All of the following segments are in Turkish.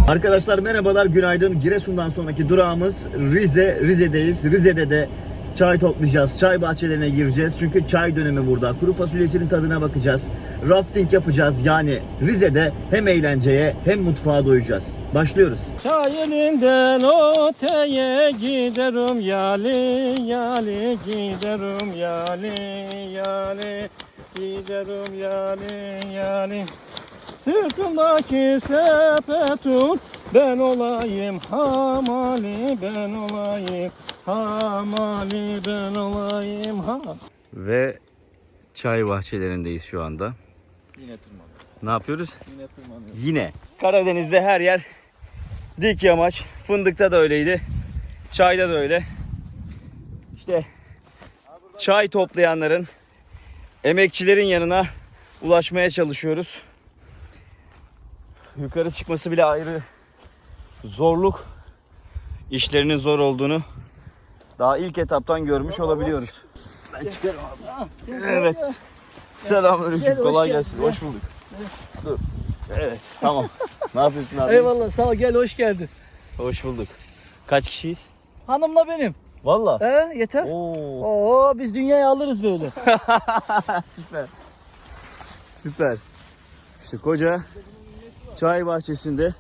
Arkadaşlar merhabalar, günaydın. Giresun'dan sonraki durağımız Rize. Rize'deyiz. Rize'de de çay toplayacağız. Çay bahçelerine gireceğiz. Çünkü çay dönemi burada. Kuru fasulyesinin tadına bakacağız. Rafting yapacağız. Yani Rize'de hem eğlenceye hem mutfağa doyacağız. Başlıyoruz. Çay elinden öteye giderim yali yali giderim yali yali giderim yali yali. Sırtımdaki sepetun ben olayım hamali ben olayım hamali ben olayım ha. Ve çay bahçelerindeyiz şu anda. Yine tırmanıyor. Ne yapıyoruz? Yine tırmanıyor. Yine. Karadeniz'de her yer dik yamaç. Fındıkta da öyleydi. Çayda da öyle. İşte çay toplayanların, emekçilerin yanına ulaşmaya çalışıyoruz. Yukarı çıkması bile ayrı zorluk. İşlerinin zor olduğunu daha ilk etaptan görmüş olabiliyoruz. Ben çıkarım abi. Evet. Selamünaleyküm. Kolay gelsin. Hoş bulduk. Dur. Evet. Tamam. Ne yapıyorsun abi? Eyvallah sağ ol, gel hoş geldin. Hoş bulduk. Kaç kişiyiz? Hanımla benim. Valla. Yeter. Oo. Oo, biz dünyayı alırız böyle. Süper. Süper. İşte koca çay bahçesinde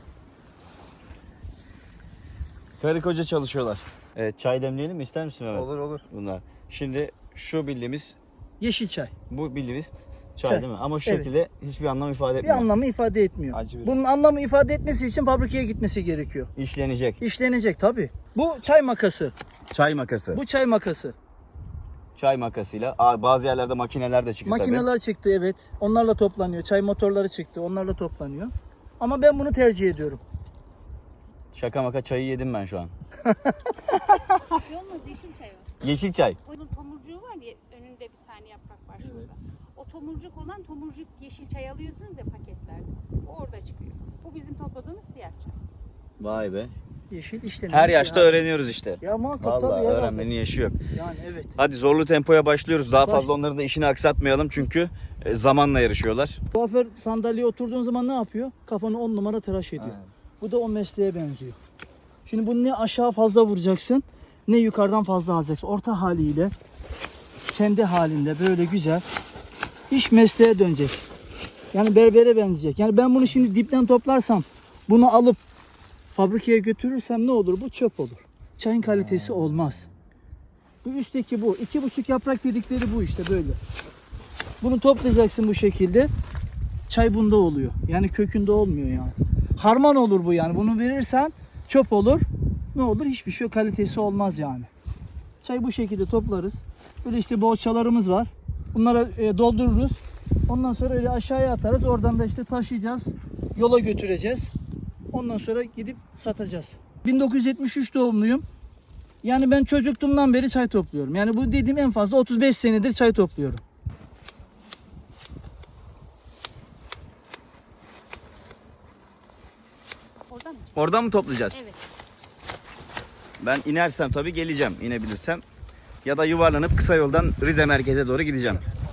karı koca çalışıyorlar. Evet, çay demleyelim mi? İster misin Mehmet? Olur. Bunlar. Şimdi şu bildiğimiz, Yeşil çay. bu bildiğimiz çay Çay. değil mi? Ama şu Evet. şekilde hiçbir anlam ifade Bir etmiyor. anlamı ifade etmiyor. Acı bir- Bunun anlamı ifade etmesi için fabrikaya gitmesi gerekiyor. İşlenecek. İşlenecek tabii. Bu çay makası. Çay makası. Bu çay makası. Çay makasıyla. Bazı yerlerde makineler de çıktı tabii. Makineler çıktı, evet. Onlarla toplanıyor. Çay motorları çıktı. Onlarla toplanıyor. Ama ben bunu tercih ediyorum. Şaka maka çayı yedim ben şu an. Şey olmaz, yeşil çay o. Yeşil çay. Onun tomurcuğu var ya, önünde bir tane yaprak var şurada. O tomurcuk olan tomurcuk yeşil çay alıyorsunuz ya paketlerde. O orada çıkıyor. Bu bizim topladığımız siyah çay. Vay be. Yeşil işlenmiş. Her yaşta ya. öğreniyoruz işte. Ya muhakkak Vallahi tabii. herhalde. öğrenmenin yaşı yok. Yani evet. Hadi zorlu tempoya başlıyoruz. Daha Baş- fazla onların da işini aksatmayalım çünkü zamanla yarışıyorlar. Kuaför sandalyeye oturduğun zaman ne yapıyor? Kafanı 10 numara tıraş ediyor. Aynen. Bu da o mesleğe benziyor. Şimdi bunu ne aşağı fazla vuracaksın, ne yukarıdan fazla alacaksın. Orta haliyle, kendi halinde böyle güzel iş mesleğe dönecek. Yani berbere benzeyecek. Yani ben bunu şimdi dipten toplarsam, bunu alıp fabrikaya götürürsem ne olur? Bu çöp olur. Çayın kalitesi olmaz. Bu üstteki bu. 2,5 yaprak dedikleri bu işte böyle. Bunu toplayacaksın bu şekilde. Çay bunda oluyor. Yani kökünde olmuyor yani. Harman olur bu yani. Bunu verirsen çöp olur. Ne olur? Hiçbir şey yok. Kalitesi olmaz yani. Çayı bu şekilde toplarız. Böyle işte boğaçalarımız var. Bunlara doldururuz. Ondan sonra öyle aşağıya atarız. Oradan da işte taşıyacağız. Yola götüreceğiz. Ondan sonra gidip satacağız. 1973 doğumluyum. Yani ben çocukluğumdan beri çay topluyorum. Yani bu dediğim en fazla 35 senedir çay topluyorum. Oradan mı? Oradan mı toplayacağız? Evet. Ben inersem tabii geleceğim, inebilirsem. Ya da yuvarlanıp kısa yoldan Rize merkeze doğru gideceğim.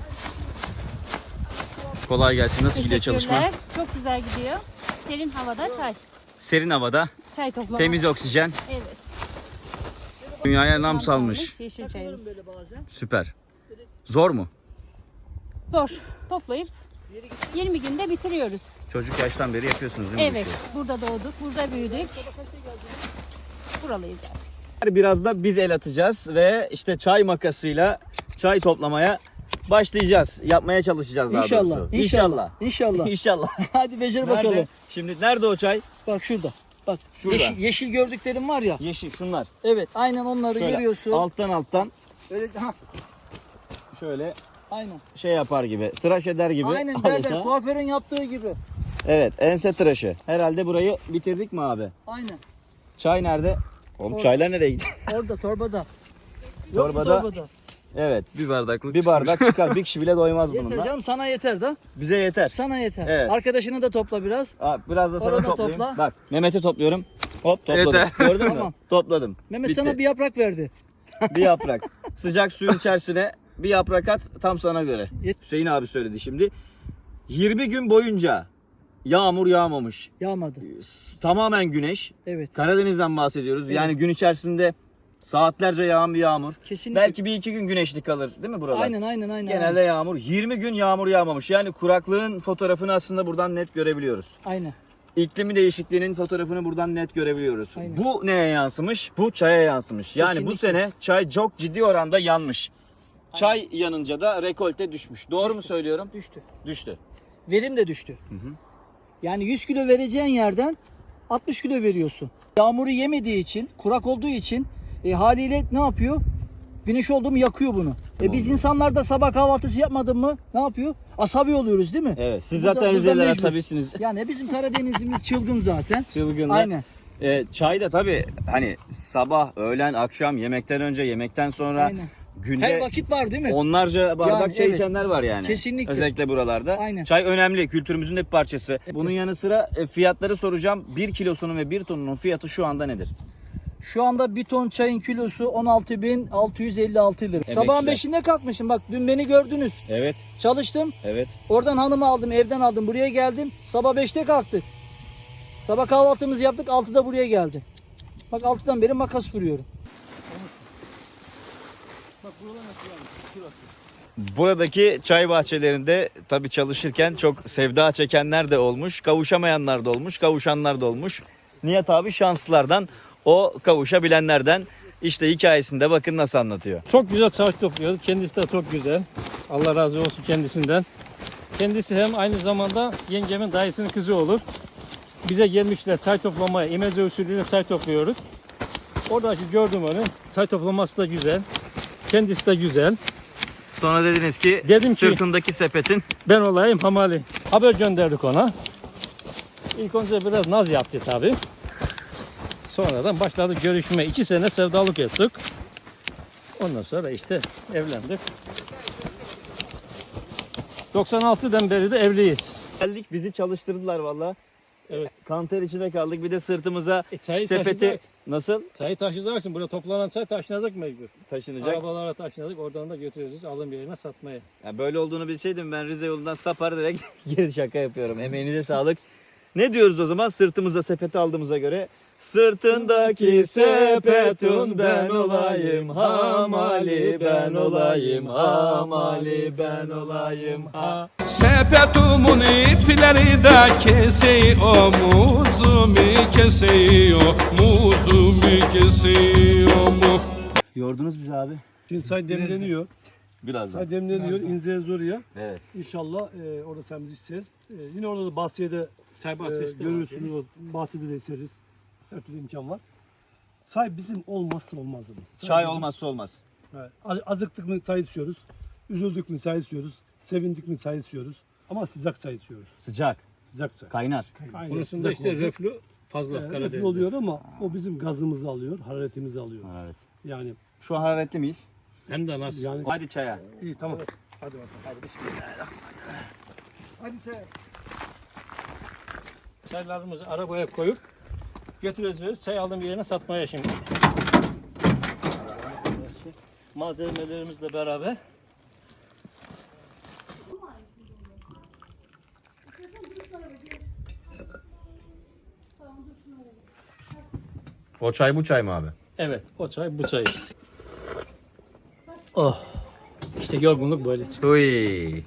Kolay gelsin. Nasıl gidiyor çalışma? Teşekkürler. Çok güzel gidiyor. Serin havada çay. Serin havada, Çay toplama. temiz oksijen. Evet. Dünyaya nam salmış. Yeşil çayımız. Böyle bazen. Süper. Zor mu? Zor. Toplayıp 20 günde bitiriyoruz. Çocuk yaştan beri yapıyorsunuz değil mi? bu Evet. işi? Burada doğduk. Burada büyüdük. Buralıyız yani. Biraz da biz el atacağız ve işte çay makasıyla çay toplamaya başlayacağız. Yapmaya çalışacağız daha İnşallah. doğrusu. İnşallah. İnşallah. İnşallah. Hadi becer Nerede? bakalım. Şimdi nerede o çay? Bak şurada. Bak Şurada. yeşil gördüklerim var ya. Yeşil şunlar. Evet, aynen onları Şöyle görüyorsun. alttan Öyle şöyle aynen. şey yapar gibi, tıraş eder gibi. Aynen adeta. berber kuaförün yaptığı gibi. Evet, ense tıraşı. Herhalde burayı bitirdik mi abi? Aynen. Çay nerede? Oğlum Orada. çaylar nereye gitti? Orada torbada. Yok mu Torbada. torbada? Evet, Bir bardaklık bir bardak çıkar. Bir kişi bile doymaz Yeter bununla. canım, sana yeter da. Bize yeter. Sana yeter. Evet. Arkadaşını da topla biraz. Biraz da sana Orada toplayayım. topla. Bak, Mehmet'i topluyorum. Hop topladım. Yeter. Gördün mü? Tamam. Topladım. Mehmet Bitti. sana bir yaprak verdi. Bir yaprak. Sıcak suyun içerisine bir yaprak at, tam sana göre. Yet- Hüseyin abi söyledi şimdi. 20 gün boyunca yağmur yağmamış. Yağmadı. Tamamen güneş. Evet. Karadeniz'den bahsediyoruz. Evet. Yani gün içerisinde saatlerce yağan bir yağmur. Kesinlikle. Belki bir iki gün güneşli kalır değil mi buralar? Aynen. Genelde yağmur. 20 gün yağmur yağmamış. Yani kuraklığın fotoğrafını aslında buradan net görebiliyoruz. Aynen. İklimi değişikliğinin fotoğrafını buradan net görebiliyoruz. Aynen. Bu neye yansımış? Bu çaya yansımış. Yani bu Kesinlikle. sene çay çok ciddi oranda yanmış. Çay yanınca da rekolte düşmüş. Doğru mu söylüyorum? Düştü. Düştü. Verim de düştü. Yani 100 kilo vereceğin yerden 60 kilo veriyorsun. Yağmuru yemediği için, kurak olduğu için haliyle ne yapıyor? Güneş oldu mu yakıyor bunu. Biz insanlar da sabah kahvaltısı yapmadın mı ne yapıyor? Asabi oluyoruz değil mi? Evet. Siz Burada- zaten burada Rizeliler mecbur. asabisiniz. Yani bizim Karadenizimiz çılgın zaten. Çılgınlar. Aynen. Çay da tabii hani sabah, öğlen, akşam, yemekten önce, yemekten sonra Aynen. günde Her vakit var değil mi? onlarca bardak Yani çay evet. içenler var yani. Kesinlikle. Özellikle buralarda. Aynen. Çay önemli. Kültürümüzün de bir parçası. Bunun yanı sıra fiyatları soracağım. 1 kilosunun ve 1 tonunun fiyatı şu anda nedir? Şu anda bir ton çayın kilosu 16.656 lira. Sabahın 5'inde kalkmışım. Bak dün beni gördünüz. Evet. Çalıştım. Evet. Oradan hanımı aldım, evden aldım. Buraya geldim. Sabah 5'te kalktık. Sabah kahvaltımızı yaptık. 6'da buraya geldim. Bak 6'dan beri makas vuruyorum. Buradaki çay bahçelerinde tabii çalışırken çok sevda çekenler de olmuş, kavuşamayanlar da olmuş, kavuşanlar da olmuş. Nihat abi şanslılardan, o kavuşabilenlerden. İşte hikayesinde bakın nasıl anlatıyor. Çok güzel çay topluyoruz. Kendisi de çok güzel. Allah razı olsun kendisinden. Kendisi hem aynı zamanda yengemin dayısının kızı olur. Bize gelmişler çay toplamaya. İmece usulüyle çay topluyoruz. Orada gördüm onu. Çay toplaması da güzel. Kendisi de güzel. Sonra dediniz ki Dedim ki- sırtındaki sepetin Ben olayım hamali. Haber gönderdik ona. İlk önce biraz naz yaptı tabi. Sonradan başladık görüşme. 2 sene sevdalık ettik. Ondan sonra işte evlendik. 96'dan beri de evliyiz. geldik, bizi çalıştırdılar valla. Evet. Kanter içine kaldık, bir de sırtımıza Çayı sepeti taşıyacak. nasıl Çayı taşıyacaksın. Burada toplanan çay taşınacak mecbur. taşınacak? Arabalara taşınacak. Oradan da götürüyoruz alım yerine satmaya. Ya böyle olduğunu bilseydim ben Rize yolundan sapar direkt geri şaka yapıyorum. Emeğinize sağlık. Ne diyoruz o zaman sırtımıza sepeti aldığımıza göre? Sırtındaki sepetun ben olayım, hamali ben olayım, hamali ben olayım, ha. Sepetumun ipleri de kesiyor, muzumu kesiyor, muzumu kesiyor mu? Yordunuz bizi abi. Şimdi çay demleniyor. Birazdan. Çay demleniyor. İneceğiz oraya. Evet. İnşallah orada sen bizi içeceğiz. Yine orada da bahçede Çay bahçesi de var. görürsünüz. O bahçede de içeriz. Her türlü imkan var. Çay bizim olmazsa olmazımız. Çay bizim- olmazsa olmaz. Evet. Acıktık mı çay içiyoruz. Üzüldük mü çay içiyoruz. Sevindik mi çay içiyoruz. Ama sıcak çay içiyoruz. Sıcak, Sıcak çay. kaynar. Aynen, Konusunda sıcak işte olacak. reflü fazla Reflü Karadeniz'de. oluyor ama o bizim gazımızı alıyor, hararetimizi alıyor. Evet. Yani Şu an hararetli miyiz? Hem de nasıl? yani Hadi çaya. iyi tamam. Hadi bakalım. Hadi bismillah. Hadi çay. Çaylarımızı arabaya koyup götüreceğiz. Çay alım yerine satmaya şimdi. Malzemelerimizle beraber. O çay bu çay mı abi? Evet, o çay bu çay. Oh. İşte yorgunluk böyle çıkıyor. Uy.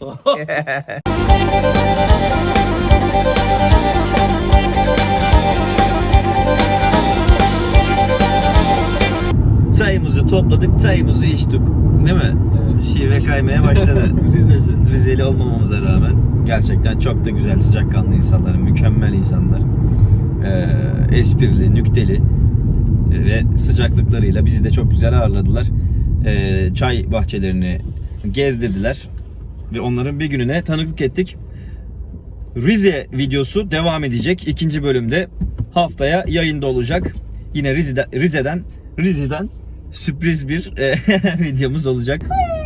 Çayımızı topladık, çayımızı içtik. Değil mi? Evet. Şive kaymaya başladı. Rizeli olmamamıza rağmen gerçekten çok da güzel, sıcakkanlı insanlar, mükemmel insanlar. Esprili, nükteli ve sıcaklıklarıyla bizi de çok güzel ağırladılar. Çay bahçelerini gezdirdiler ve onların bir gününe tanıklık ettik. Rize videosu devam edecek. 2. bölümde haftaya yayında olacak. Yine Rize'den sürpriz bir videomuz olacak.